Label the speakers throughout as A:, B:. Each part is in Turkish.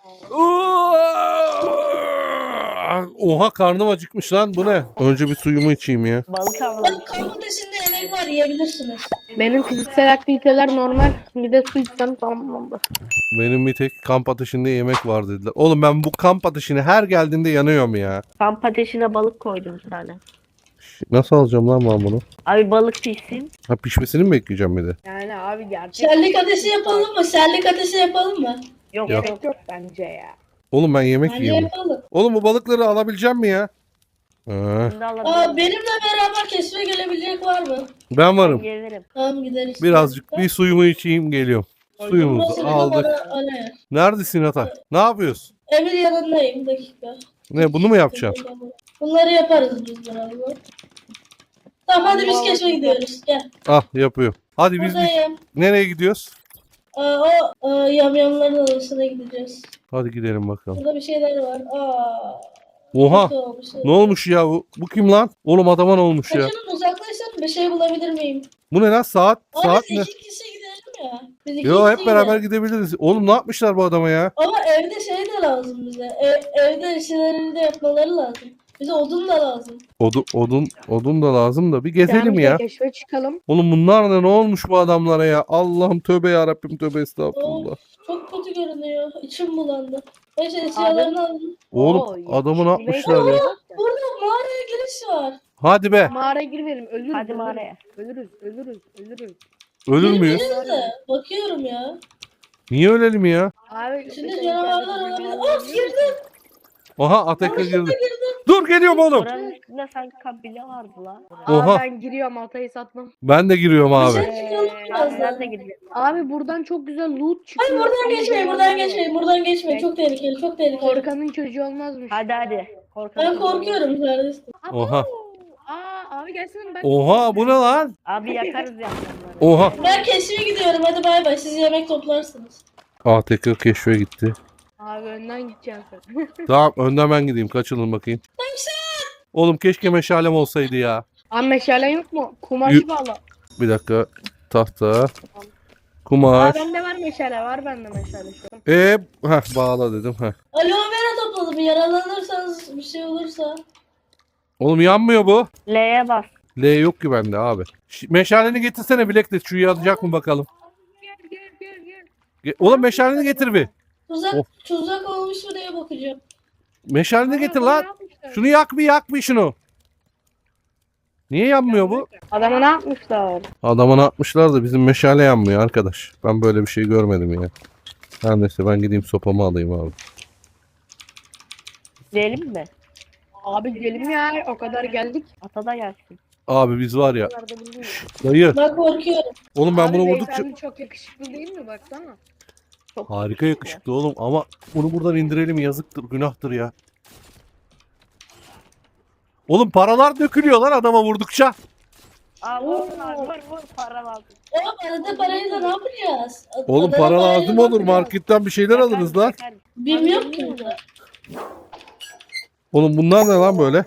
A: Oha karnım acıkmış lan, bu ne? Önce bir suyumu içeyim ya.
B: Balık avladık.
C: Kamp ateşinde yemek var, yiyebilirsiniz.
D: Benim fiziksel aktiviteler normal. Bir de su içsem tamamlandı.
A: Benim bir tek kamp ateşinde yemek var dediler. Oğlum ben bu kamp ateşine her geldiğinde yanıyorum ya.
B: Kamp ateşine balık koydum bir tane.
A: Nasıl alacağım lan ben bunu?
B: Abi balık pişsin.
A: Ha, pişmesini mi bekleyeceğim bir de?
D: Yani abi gerçek
C: Şerlik ateşi yapalım mı? Şerlik ateşi yapalım mı?
B: Yok
A: Yok.
B: yok.
D: yok bence ya.
A: Oğlum ben yemek
C: Bence
A: yiyorum.
C: yapalım.
A: Oğlum bu balıkları alabileceğim mi ya? Ha,
B: Şimdi alabilirim.
C: Benimle beraber keşfe gelebilecek var mı?
A: ben varım.
B: Gelirim.
C: Tamam gideriz.
A: Birazcık bir suyumu içeyim geliyorum. Suyumuzu
C: Burası
A: aldık.
C: Alır.
A: Neredesin Ata? Ne yapıyorsun?
C: Emir yanındayım, dakika.
A: Ne, bunu mu yapacaksın?
C: Bunları yaparız biz beraber. Tamam hadi biz keşfe gidiyoruz. Gel.
A: Ah, yapıyorum. Hadi biz
C: Buradayım.
A: nereye gidiyoruz?
C: Yamyamların odasına gideceğiz.
A: Hadi gidelim bakalım.
C: Burada bir şeyler var.
A: Oha,
C: kötü olmuş.
A: ne olmuş ya bu? Bu kim lan? Oğlum adama ne olmuş ya?
C: Kaçının uzaklaşsam bir şey bulabilir miyim?
A: Bu ne lan, saat?
C: Ama
A: Saat
C: biz
A: ne?
C: iki kişi gidelim ya. Biz iki
A: Yo, hep
C: kişi
A: beraber
C: gidelim.
A: gidebiliriz. Oğlum ne yapmışlar bu adama ya?
C: Ama evde şey de lazım bize. Evde işlerini de yapmaları lazım. Bize odun da lazım.
A: Odun da lazım da bir gezelim
D: Yani
A: ya.
D: keşfe çıkalım.
A: Oğlum bunlar ne olmuş bu adamlara ya? Allah'ım tövbe ya Rabbim, tövbe estağfurullah.
C: Çok kötü görünüyor. İçim bulandı. Neyse eşyalarını alın.
A: Oğlum
D: Oo,
A: adamı ne
D: yeşil
A: yapmışlar
D: ve-
A: ya?
C: Burada mağaraya giriş var.
A: Hadi be.
D: Mağaraya girmeyelim. Ölürüz.
B: Hadi
D: ölürüz.
B: mağaraya.
D: Ölürüz.
A: Ölür müyüz?
C: Girmeyiz de. Bakıyorum ya.
A: Niye ölelim ya?
D: Abi
C: İçinde canavarlar olabilir. Of girdim.
A: Oha, Ateka
C: Yanlışlıkla
A: girdi.
C: girdim.
A: Dur, geliyorum oğlum.
B: Buranın üstünde sanki kabile vardı la.
A: Oha.
D: Abi ben giriyorum, Altay'ı satmam.
A: Ben de giriyorum abi.
C: Dışarı çıkalım
B: Ben
C: birazdan.
B: de gideceğim.
D: Abi buradan çok güzel loot çıkıyor.
C: Hayır buradan geçmeyin, buradan geçmeyin, buradan geçmeyin. Çok tehlikeli, çok tehlikeli.
D: Korkanın çocuğu olmazmış.
B: Hadi. Korkalım.
C: Ben korkuyorum kardeşim.
A: Oha.
D: Abi gelsene ben.
A: Oha, bu ne lan?
B: Abi yakarız yanlarını.
A: Oha.
C: Ben keşfe gidiyorum. Hadi bay bay. Siz yemek toplarsınız.
A: Ateka keşfe gitti.
D: Abi önden gideceksin sen.
A: Tamam, önden ben gideyim. Kaçılın bakayım. Oğlum keşke meşalem olsaydı ya.
D: Abi meşalen yok mu? Kumaşı bağla.
A: Bir dakika. Tahta.
D: Aa
A: Kumaş.
D: bende var meşale, var bende meşale şu an.
A: Bağla dedim.
C: Aloe vera topladım. Yaralanırsanız bir şey olursa.
A: Oğlum yanmıyor bu.
B: L'ye bas.
A: L yok ki bende abi. Meşaleni getirsene Bilek de, şu yanacak mı bakalım. Oğlum meşaleni getir bir.
C: Tuzak,
A: Of.
C: tuzak olmuş mu diye bakacağım.
A: Meşaleni getir
D: Aa,
A: lan.
D: ne yapmışlar?
A: Şunu yak bir şunu. Niye yanmıyor bu?
D: Adama ne yapmışlar?
A: Adamına atmışlar da bizim meşale yanmıyor arkadaş. Ben böyle bir şey görmedim ya. Her neyse ben gideyim sopamı alayım abi.
B: Gidelim mi?
D: Abi gidelim ya, o kadar geldik.
B: Ata da gelsin.
A: Abi biz var ya.
D: O kadar da bilmiyorum.
A: Dayı.
C: Ben korkuyorum.
A: Oğlum ben
D: Abi
A: bunu vurdukça...
D: beyefendi çok yakışıklı değil mi, baksana.
B: Çok
A: Harika yakışıklı oğlum ama bunu buradan indirelim, yazıktır, günahtır ya. Oğlum paralar dökülüyor lan adama vurdukça.
B: Aa vur para lazım.
C: Oğlum arada parayı da ne yapacağız?
A: Oğlum
C: Adada
A: para
C: parayla
A: lazım
C: ne
A: olur,
C: yapacağız?
A: marketten bir şeyler alırız lan.
B: Yakarız.
C: Bilmiyorum ki burada.
A: Oğlum bunlar ne lan böyle?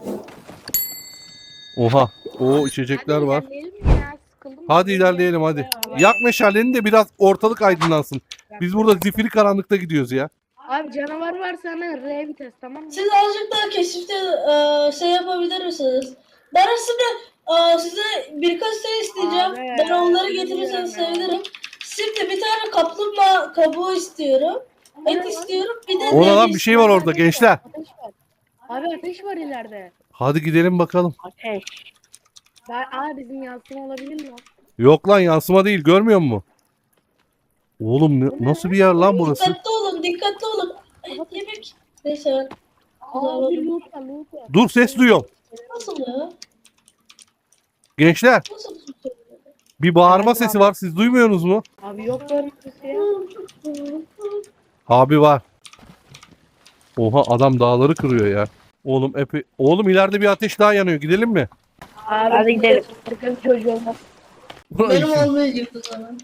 A: Oha. O içecekler
D: Hadi
A: var.
D: ilerleyelim ya, sıkıldım.
A: Hadi ilerleyelim hadi. Yak meşaleni de biraz ortalık aydınlansın. Biz burada zifiri karanlıkta gidiyoruz ya.
D: Abi canavar varsa hemen R vites, tamam mı?
C: Siz azıcık daha keşifte şey yapabilir misiniz? Ben aslında size birkaç şey isteyeceğim.
D: Abi,
C: Ben onları getirirseniz
D: biliyorum ya.
C: sevinirim. Şimdi bir tane kaplumbağa kabuğu istiyorum. Et istiyorum. Bir de
A: Ona lan
C: deri
A: bir şey var orada gençler.
D: Ateş var. Abi ateş var ileride.
A: Hadi gidelim bakalım.
B: Ateş.
D: Bizim yansıma olabilir mi?
A: Yok lan, yansıma değil, görmüyor musun? Oğlum nasıl bir yer lan burası?
C: Dikkatli olun, dikkatli olun. Ay, yemek. Neyse ben.
D: Abi loot var.
A: Dur, ses duyuyorum.
C: Nasıl ya?
A: Gençler
C: Nasıl?
A: bir bağırma sesi var, siz duymuyorsunuz mu?
D: Abi yok böyle bir şey ya.
A: Abi var. Oha, adam dağları kırıyor ya. Oğlum Oğlum ileride bir ateş daha yanıyor, gidelim mi?
D: Abi
B: Hadi gidelim.
D: Sakın çocuğu olmaz.
C: Benim olmayacak o zaman.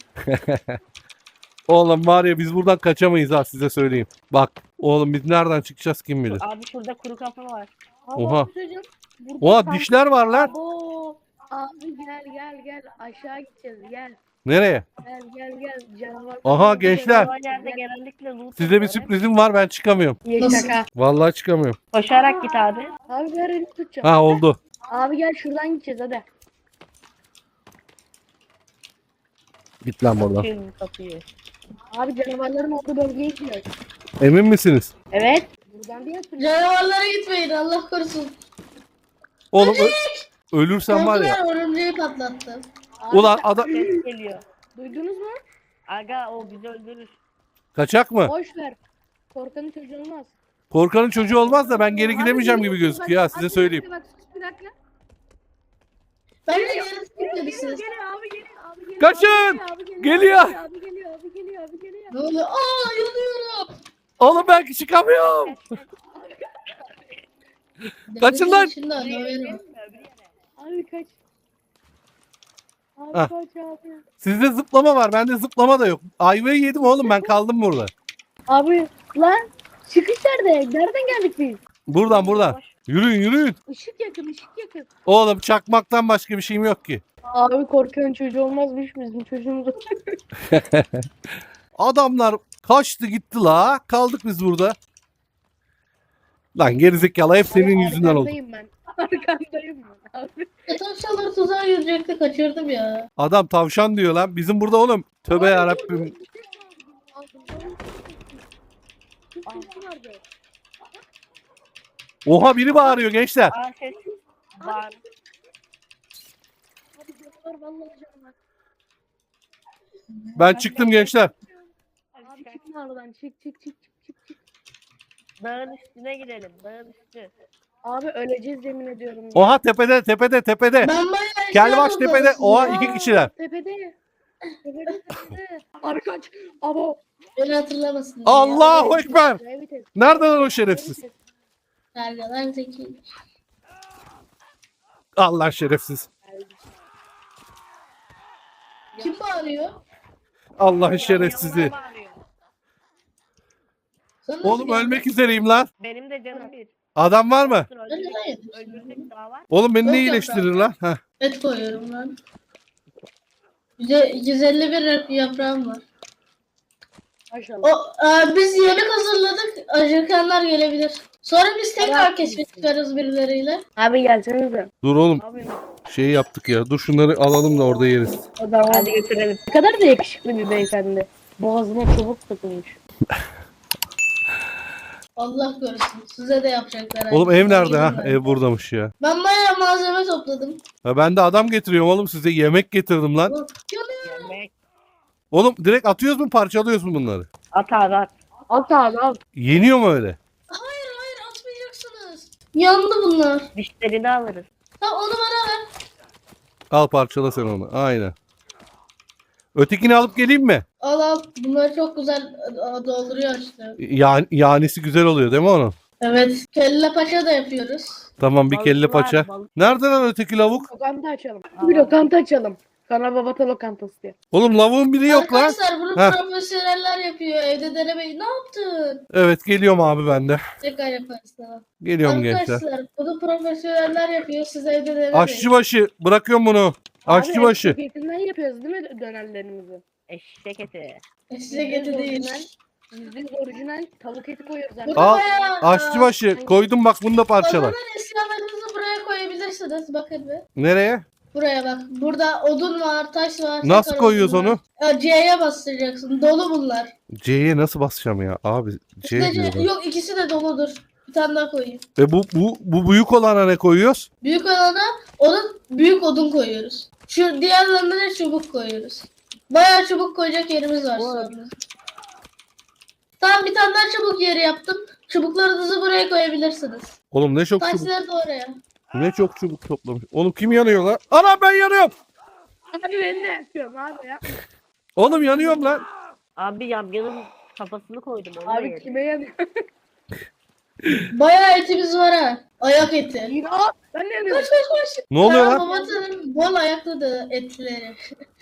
A: Oğlum var ya, biz buradan kaçamayız ha, size söyleyeyim. Bak oğlum, biz nereden çıkacağız kim bilir.
B: Abi şurada kuru kafa var.
D: Abi,
A: Oha.
D: abi çocuğum, burada
A: Oha,
D: sanki-
A: dişler var lan.
D: Abo. Abi gel aşağı gideceğiz, gel.
A: Nereye?
D: Gel canavar.
A: Aha, gençler.
B: O yerde genellikle loot
A: Size bir
B: oluyor.
A: sürprizim var, ben çıkamıyorum.
D: Ye
C: Nasıl?
D: şaka.
A: Vallahi çıkamıyorum.
B: Koşarak git abi.
D: Abi ver elini tutacağım.
A: Ha, oldu.
D: Abi gel şuradan gideceğiz hadi.
A: Git lan buradan.
B: Şimdi kapıyı.
D: Abi canavarların olduğu bölgeye gidiyoruz.
A: Emin misiniz?
D: Evet. Buradan bir yatıracağız.
C: Canavarlara gitmeyin Allah korusun.
A: Oğlum ölürsen var ya.
C: Korkular örümceği patlattı.
A: Ulan adam
B: Ses geliyor.
D: Duydunuz mu?
B: Aga o bizi öldürür.
A: kaçak mı?
D: Boş ver. Korkanın çocuğu olmaz.
A: Korkanın çocuğu olmaz da ben geri gidemeyeceğim gibi gözüküyor ha, size
D: Bak,
A: söyleyeyim.
D: Bak sus bir dakika.
C: Ben de yarın gitmemişsiniz.
D: Geliyor abi geliyor abi geliyor.
A: Kaçın!
D: Abi geliyor.
A: Geliyor!
D: Abi geliyor abi geliyor abi geliyor.
C: Ne oluyor? Aa yanıyorum.
A: Oğlum belki çıkamıyorum. Kaçın lan!
C: Şimdi anlamıyorum.
D: Abi kaç. Abi
A: Ah.
D: kaç abi.
A: Sizde zıplama var, bende zıplama da yok. Ayvayı yedim oğlum, ben kaldım burada.
D: Abi lan çıkış nerede? Nereden geldik biz?
A: Buradan. Yürüyün yürüyün.
D: Işık yakın ışık yakın.
A: Oğlum çakmaktan başka bir şeyim yok ki.
D: Abi korkanın çocuğu olmazmış bizim çocuğumuz.
A: Adamlar kaçtı gitti la. Kaldık biz burada. Lan gerizekalı, hep senin yüzünden oldu.
D: Arkandayım ben. Arkandayım ben abi.
C: Tavşanlar tuzağa girecekti kaçırdım ya.
A: Adam tavşan diyor lan. Bizim burada oğlum. Tövbe yarabbim. Oha, biri bağırıyor gençler.
B: Aa ses var.
A: Ben çıktım gençler.
D: Abi çıkma aradan çık.
B: Dağın üstüne gidelim. Dağın üstü.
D: Abi öleceğiz yemin ediyorum. ya.
A: Oha, tepede.
C: Ben bayağı
A: Kelbaş
C: eşya
A: tepede.
C: toplamışım
A: Oha,
C: ya.
A: iki kişiler.
D: Tepede. Tepede. Abi kaç. Abo.
C: Beni hatırlamasın diye.
A: Allahu Ekber.
D: Evet, evet.
A: Nerede lan o şerefsiz?
C: Kargalar zeki.
A: Allah şerefsiz.
C: Kim bağırıyor?
A: Allah'ın şerefsizi.
B: Yanına bağırıyor.
C: Sana nasıl
A: Oğlum
C: geldi?
A: ölmek üzereyim lan.
B: Benim de canım bir.
A: Adam var mı?
C: Ben neden yedim?
B: Öldürecek daha var.
A: Oğlum beni ne
C: Yok, yok,
A: iyileştirir lan? Heh.
C: Et koyuyorum lan. 151 yaprağım var.
D: Maşallah.
C: Biz yemek hazırladık. Acıkanlar gelebilir. Sonra biz tekrar
D: Tamam.
C: keşfe çıkarız birileriyle.
D: Abi gelsenize.
A: Dur oğlum,
B: Abi
A: şeyi yaptık ya. Dur şunları alalım da orada yeriz.
D: O da
B: hadi götürelim.
D: Ne kadar da yakışıklı bir beyefendi. Boğazına çubuk takılmış.
C: Allah korusun. Size de yapacaklar.
A: Oğlum ev nerede ha?
C: Ben.
A: Ev buradamış ya.
C: Ben bayağı malzeme topladım.
A: Ha, ben de adam getiriyorum oğlum, size yemek getirdim lan.
C: Yanıyor.
B: Yemek.
A: Oğlum direkt atıyoruz mu, parçalıyoruz mu bunları?
B: At abi at.
D: At abi al.
A: Yeniyor mu öyle?
C: Hayır atmayacaksınız. Yandı bunlar.
B: Dişlerini alırız.
C: Tamam onu bana ver.
A: Al, parçala sen onu. Aynen. Ötekini alıp geleyim mi?
C: Al. Bunlar çok güzel dolduruyor işte.
A: Yanisi güzel oluyor değil mi onun?
C: Evet. Kelle paça da yapıyoruz.
A: Tamam, bir
B: Balık
A: kelle
B: var,
A: paça.
B: balık.
A: Nerede lan öteki lavuk?
D: Lokanta açalım. Bir lokanta açalım. Kana babata lokantası diye.
A: Oğlum lavuğun biri yok lan.
C: Arkadaşlar bunu
A: Heh.
C: profesyoneller yapıyor. Evde denemeyin. Ne yaptın?
A: Evet, geliyorum abi ben de.
C: Tekrar yaparız tamam.
A: Geliyorum gençler.
C: Arkadaşlar bunu profesyoneller yapıyor. Siz evde denemeyin.
A: Aşçıbaşı bırakıyorum bunu. Aşçıbaşı.
D: Abi etinden yapıyoruz değil mi dönerlerimizi?
B: Eşek eti.
C: Size geti değil.
D: %100 orijinal tavuk eti koyuyoruz
C: Bu
D: abi.
C: da
A: Al,
C: bayağı,
A: Aşçıbaşı koydum bak, bunu da parçala.
C: Kazanan eşyalarınızı buraya koyabilirsiniz. Bakın bir.
A: Nereye?
C: Buraya bak. Burada odun var, taş var.
A: Nasıl
C: sakar
A: koyuyoruz
C: odun var.
A: onu?
C: C'ye bastıracaksın. Dolu bunlar.
A: C'ye nasıl basacağım ya? Abi C
C: İşte
A: diyor bak.
C: yok ikisi de doludur. Bir tane daha koyayım.
A: Bu büyük olana ne koyuyoruz?
C: Büyük olana onun büyük odun koyuyoruz. Şu diğerlerine de çubuk koyuyoruz. Bayağı çubuk koyacak yerimiz var sonra. Tamam bir tane daha çubuk yeri yaptım. Çubuklarınızı buraya koyabilirsiniz.
A: Oğlum ne çok çubuk.
C: Taşları da oraya.
A: Ne çok çubuk toplamış. Oğlum kim yanıyor lan? Ana ben yanıyorum.
D: Abi ben de yapıyorum abi ya.
A: Oğlum yanıyorum lan.
B: Abi yamyamın kafasını koydum. Onu da
D: Abi
B: yedim.
D: kime yanıyor?
C: Bayağı etimiz var ha. Ayak eti.
D: Yine al. Ben de yanıyorum.
C: Koş.
A: Ne oluyor
C: Kaan
A: lan?
C: Babatan'ın bol ayaklı da etleri.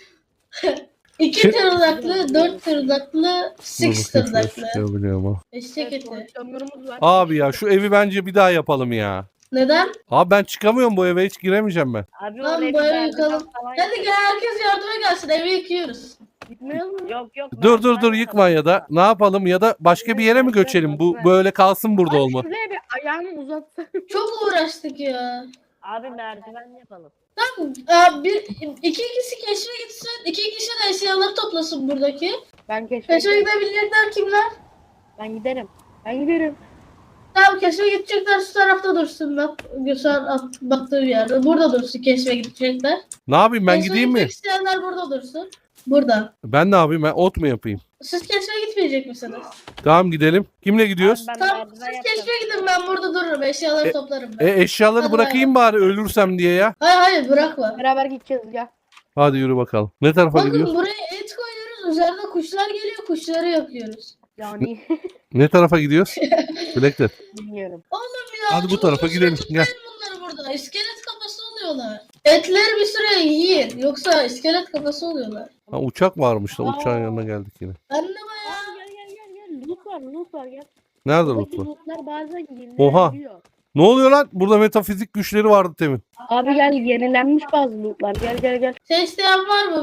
C: 2
A: Şey-
C: tırnaklı, 4 tırnaklı, 6 tırnaklı.
A: Biliyorum ha.
C: Eşek eti.
D: Porsiyonlarımız var.
A: Abi ya şu evi bence bir daha yapalım ya.
C: Neden?
A: Abi ben çıkamıyorum bu eve, hiç giremeyeceğim ben.
B: Abi
C: Lan
B: oraya
C: bu
B: bir
C: evi
B: merdiven
C: yıkalım.
B: falan
C: Hadi gel herkes yardıma gelsin evi yıkıyoruz.
D: Gitmiyor mu?
B: Yok.
A: Dur
B: merdiven
A: yıkma ya da ne yapalım, ya da başka bir yere mi göçelim? Bu böyle kalsın burada
D: Abi
A: olma.
D: şuraya bir ayağımı uzatsam.
C: Çok uğraştık ya.
B: Abi merdiven yapalım.
C: Tamam, iki kişi keşfe gitsin. İki kişi de eşyaları toplasın buradaki.
D: Ben
C: Keşfe
D: keşfe
C: gidebilecekler kimler?
D: Ben giderim. Ben giderim.
C: Tamam keşfe gidecekler şu tarafta dursun. Bak Göster baktığı bir yerde. Burada dursun keşfe gidecekler.
A: Ne yapayım, ben
C: Keşfe
A: gideyim mi?
C: gitmek isteyenler burada dursun. Burada.
A: Ben ne yapayım, ben ot mu yapayım?
C: Siz keşfe gitmeyecek misiniz?
A: Tamam gidelim. Kimle gidiyoruz?
B: Abi ben
C: Tamam
B: merdiven
C: siz
B: yapacağım.
C: keşfe gidin ben burada dururum. Eşyaları toplarım ben.
A: Eşyaları
C: Hadi
A: bırakayım bari ölürsem diye ya.
C: Hayır bırakma.
D: Beraber gideceğiz ya.
A: Hadi yürü bakalım. Ne tarafa
C: Bakın
A: gidiyoruz?
C: buraya et koyuyoruz. Üzerine kuşlar geliyor. Kuşları yakıyoruz.
D: Yani
A: Ne tarafa gidiyoruz? Bilekler.
D: bilmiyorum.
C: Oğlum ya.
A: Hadi bu tarafa gidelim, gel.
C: Bunları burada. İskelet kafası oluyorlar. Etleri bir süre yiyin. Yoksa iskelet kafası oluyorlar.
A: Ha, uçak varmış da uçağın yanına geldik yine.
C: Ben de bayağı.
D: Gel. Loot var gel.
A: Nerede
D: Buradaki
A: loot var?
D: lootlar bazen
A: Oha.
D: yenilebiliyor.
A: Ne oluyor lan? Burada metafizik güçleri vardı temin.
D: Abi gel yenilenmiş bazı lootlar. Gel.
C: Şey isteyen var mı?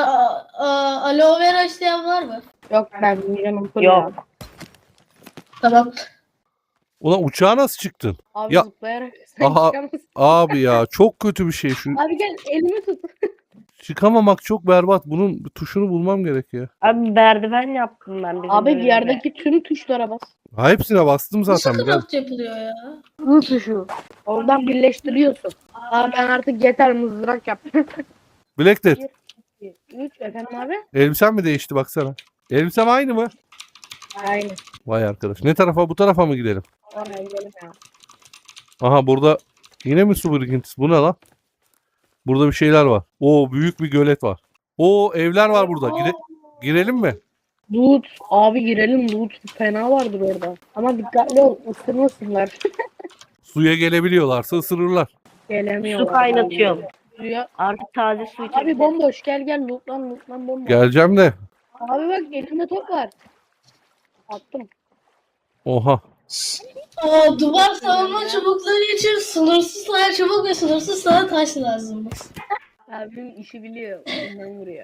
C: Aloe vera isteyen var mı?
D: Yok ben bilmiyorum.
B: Yok.
C: Tamam.
A: Ulan uçağa nasıl çıktın?
D: Abi
A: Ya-
D: zıplayarak sen
A: Aha.
D: çıkamazsın.
A: Abi ya çok kötü bir şey şu.
D: Abi gel elimi tut.
A: Çıkamamak çok berbat. Bunun bir tuşunu bulmam gerek ya.
B: Abi merdiven yaptım ben. bizim
D: Abi bir
B: önümüze.
D: yerdeki tüm tuşlara bas.
A: Ha, hepsine bastım zaten.
C: Nasıl
A: Biraz.
C: craft yapılıyor ya?
D: Bu tuşu. Oradan birleştiriyorsun. Abi ben artık yeter mızrak yaptım.
A: Bilekler.
D: 3 efendim abi.
A: Elbisen mi değişti baksana? Elbisem aynı mı?
D: Aynı.
A: Vay arkadaş. Ne tarafa, bu tarafa mı gidelim?
D: Oraya gidelim ya.
A: Aha burada yine mi su birikintisi? Bu ne lan? Burada bir şeyler var. Oo büyük bir gölet var. Oo evler var burada. Girelim mi?
D: Loot. Abi girelim loot. Fena vardır orada. Ama dikkatli ol. Isırmasınlar.
A: Suya gelebiliyorlarsa ısırırlar.
D: Gelemiyorlar.
B: Su kaynatıyorum.
D: Suya.
B: Artık taze su içebilirim.
D: Abi bomboş gel lootlan bomboş.
A: Geleceğim de.
D: Abi bak elimde top var. Attım.
A: Oha.
C: Duvar savunma çubukları için sınırsız sayı çubuk ve sınırsız sayı taş lazım.
D: Abim işi biliyor. Ondan vuruyor.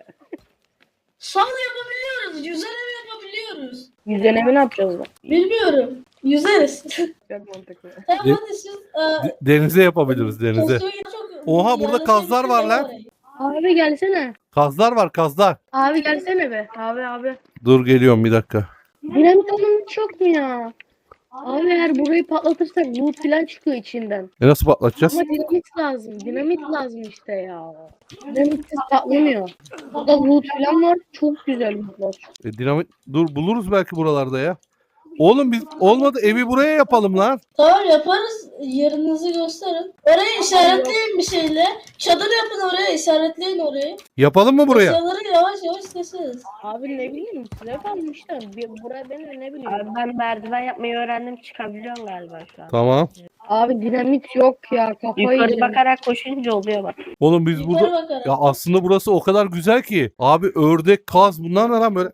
C: Sol yapabiliyoruz. Yüzer ev yapabiliyoruz.
D: Yüzene ne yapacağız lan?
C: Bilmiyorum. Yüzeriz.
D: Çok mantıklı.
C: Tamam
A: De-
C: hadi siz.
A: Denize yapabiliriz denize. Oha, burada
C: Yarın
A: kazlar var lan.
D: Abi gelsene.
A: Kazlar var, kazlar.
D: Abi gelsene be. Abi.
A: Dur geliyorum bir dakika.
D: Dinamit onun çok mu ya? Abi eğer burayı patlatırsak loot falan çıkıyor içinden.
A: Nasıl patlatacağız?
D: Ama dinamit lazım. Dinamit lazım işte ya. Dinamitsiz patlamıyor. Burada loot falan var. Çok güzel lootlar.
A: Dinamit. Dur buluruz belki buralarda ya. Oğlum biz olmadı evi buraya yapalım lan.
C: Tamam yaparız. Yerinizi gösterin. Orayı işaretleyin bir şeyle. Çadır yapın oraya. İşaretleyin orayı.
A: Yapalım mı buraya?
C: Eşyaları yavaş yavaş keseriz.
D: Abi ne bileyim size kalmışlar. Buraya ben de ne bileyim.
B: Abi ben merdiven yapmayı öğrendim. Çıkabiliyorum galiba şu an.
A: Tamam.
D: Abi dinamit yok ya. Kafayı
B: Yukarı
D: yedim.
B: bakarak koşunca oluyor bak.
A: Oğlum biz
C: Yukarı
A: burada...
C: bakarak.
A: Ya aslında burası o kadar güzel ki. Abi ördek, kaz bunlar ne lan böyle?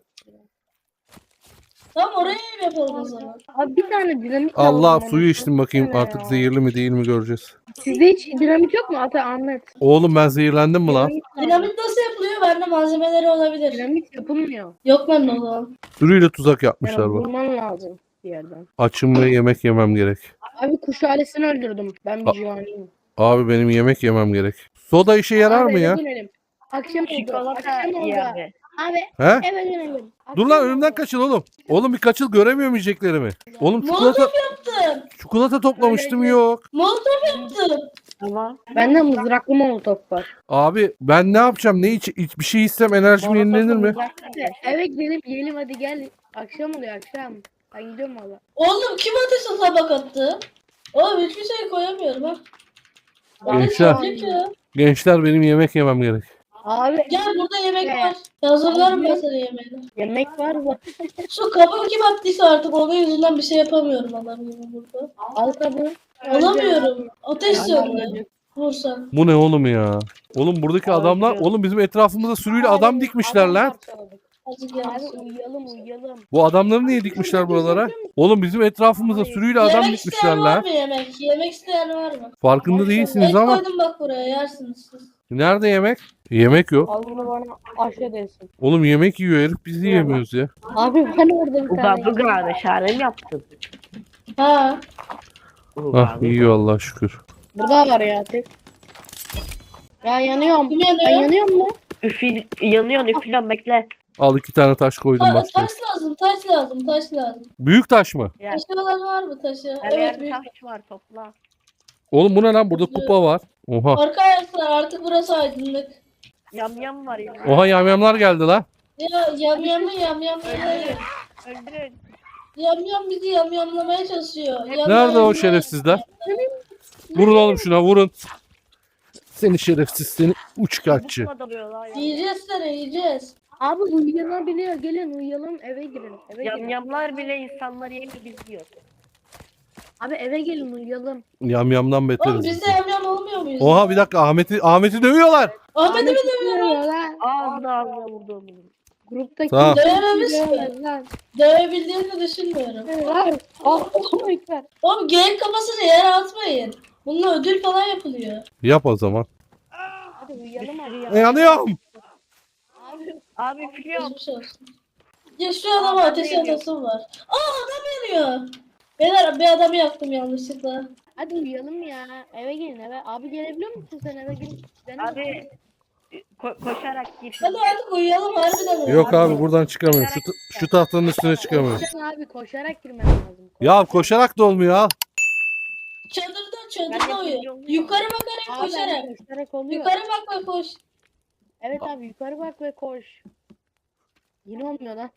C: Tamam oraya ev yapalım o zaman.
D: Abi bir tane dinamit
A: Allah
D: lazım
A: suyu
D: bana.
A: içtim bakayım
D: Baksana
A: artık
D: ya.
A: zehirli mi değil mi göreceğiz.
D: Sizde hiç dinamit yok mu Ahmet?
A: Oğlum ben zehirlendim mi lan?
D: Dinamit lazım.
C: Dinamit nasıl yapılıyor? Bende malzemeleri olabilir.
D: Dinamit yapılmıyor.
C: Yok bende o zaman.
A: Sürüyle tuzak
D: Yani
A: yapmışlar bak.
D: vurman lazım bir yerden.
A: Açım ve yemek yemem gerek.
D: Abi kuş ailesini öldürdüm. Ben bir civaniyim.
A: Abi benim yemek yemem gerek. Soda işe yarar
D: Abi
A: mı
D: eve
A: ya?
D: dönelim. Akşam oldu.
B: Çikolata
D: Akşam oldu.
B: iyi abi.
D: Abi
A: He?
D: eve dönelim.
A: Dur
D: Akşam
A: lan
D: oldu.
A: önümden kaçın oğlum. Oğlum bir kaçıl, göremiyorum yiyeceklerimi. Oğlum çikolata
C: Yaptım.
A: çikolata toplamıştım
D: Öyle.
A: yok.
C: Molotof yaptım.
B: Tamam.
D: Bende mızraklı molotof var.
A: Abi ben ne yapacağım? Bir şey istem enerjim yenilenir mi?
D: Eve gidelim yiyelim hadi gel. Akşam oluyor akşam. Ben gidiyorum valla.
C: Oğlum kim ateşe tabak attı? Oğlum hiçbir şey koyamıyorum ha.
A: Gençler.
C: Ateş yanacak ya.
A: Gençler benim yemek yemem gerek.
D: Abi
C: Gel burada yemek var. Hazırlarım ben sana yemeğini.
D: yemek var mı?
C: Şu kabı kim attıysa artık onun yüzünden bir şey yapamıyorum adam gibi burada.
D: Al kabı.
C: Alamıyorum. Ateş
D: Yani
C: yanıyor. Vursan.
A: Bu ne oğlum ya? Oğlum buradaki adamlar, oğlum bizim etrafımızda sürüyle adam dikmişler lan.
C: Hadi
D: Abi
C: gel.
D: uyuyalım.
A: Bu adamları niye dikmişler buralara? Oğlum bizim etrafımıza
B: Ay.
A: sürüyle adam
C: Yemek
A: gitmişler
C: isteyen var
A: lan.
C: mı yemek? Yemek isteyen var mı?
A: Farkında değilsiniz
C: Et
A: ama.
C: koydum bak buraya yersiniz siz.
A: Nerede yemek? Yemek yok.
D: Al bunu bana aşağı desin.
A: Oğlum yemek yiyor herif, biz yiyemiyoruz ya.
D: Abi hani orada bir
B: Uga
D: tane
B: buga meşale mi yaptın?
C: Ha.
A: Ah yiyor Allah şükür.
D: burada var ya tek. Ya yanıyorum.
C: Kim
D: Ben
C: yanıyor?
D: yanıyorum lan.
B: Yanıyorsun üflüyorsun bekle.
A: Al 2 tane taş koydum
C: Ta-
A: başka.
C: taş lazım, taş lazım, taş lazım.
A: Büyük taş mı?
B: Ya,
C: Taşı olan var mı taşı?
B: her
C: Evet
B: yerde
C: büyük.
B: taş var topla.
A: Oğlum bu ne lan? Burada kupa var. Oha.
C: Arkadaşlar artık burası aydınlık.
B: Yam var ya.
A: Oha yamyamlar geldi lan.
C: Ya yamyamı
B: Öldürün.
C: Yamyam bizi yamyamlamaya çalışıyor.
A: Nerede o şerefsizler? Vurun oğlum şuna vurun. Seni şerefsiz, seni uçkakçı.
B: Bukla dalıyorlar ya.
C: Yiyeceğiz seni yiyeceğiz.
D: Abi uyuyabiliyor. Gelin uyuyalım eve girin. Eve girin.
B: Yamyamlar bile insanları yemiyor biz yiyoruz.
D: Abi eve gelin uyuyalım.
A: Yamyamdan
C: Oğlum
A: beteriz.
C: biz de yamyam olmuyor muyuz?
A: Oha bir dakika Ahmet'i dövüyorlar.
C: Ahmet'i mi dövüyorlar?
D: Uyuyor lan.
B: Ağzına vurdum.
D: Gruptaki
A: Tamam.
C: Dövememiş mi?
D: Dövemez lan.
C: Dövebildiğini düşünmüyorum.
D: Lan. Allahu ekber.
C: Oğlum geyik kafasını yere atmayın. Bununla ödül falan yapılıyor.
A: Yap o zaman.
D: Hadi uyuyalım abi.
A: Yanıyorum.
D: Abi
B: Abi üflüyorum.
C: Geçmiş olsun. Ya şu adama
B: ben
C: ateş
B: de yanıyorum.
C: atasım var. Adam yanıyor. Beyler bir adamı yaktım yanlışlıkla.
D: hadi uyuyalım ya. Eve gelin eve. Abi gelebiliyor musun sen eve gelin?
B: Abi koşarak gir.
C: Hadi artık uyuyalım harbiden uyuyalım.
A: Yok abi buradan çıkamıyorum. Şu tahtanın üstüne çıkamıyorum.
D: Koşacaksın abi koşarak girmen lazım.
A: Ya koşarak da olmuyor al.
C: Çadırda
B: Ben de
C: uyu.
B: biliyorum.
C: Yukarı bakarak
D: Abi
C: koşarak.
D: koşarak oluyor.
C: Yukarı bak ve koş.
D: Evet abi yukarı bak ve koş. Yine olmuyor lan.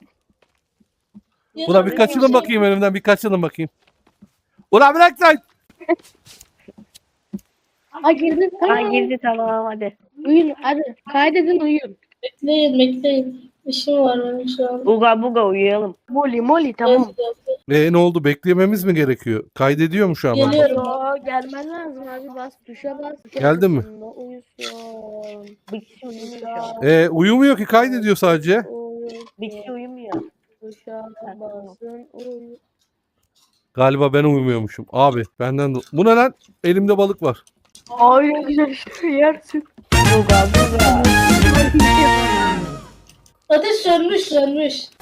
C: Ya
A: Ulan
C: da
A: bir kaçılın bakayım önümden, bir kaçılın bakayım. Ulan bırak lan.
D: Ha girdin
B: Ha
D: tamam.
B: girdi tamam hadi.
D: Uyuyun hadi. Kaydedin uyuyun.
C: Bekleyin. İşim var benim şu an.
B: Uga buga uyuyalım.
D: Moli tamam.
A: Ne oldu? Beklememiz mi gerekiyor? Kaydediyor mu şu an?
C: Geliyor.
D: Yo gelmen lazım abi bas tuşa bas.
A: Geldin mi?
D: Uyusun.
B: Bir kişi uyumuyor şu an.
A: Uyumuyor ki, kaydediyor sadece.
B: Bir kişi uyumuyor.
D: Tuşa basın uyu.
A: Galiba ben uyumuyormuşum. Abi benden de... Bu ne lan? Elimde balık var.
D: Ay ne güzel işte yersin.
B: Buga buga.
C: Ateş sönmüş.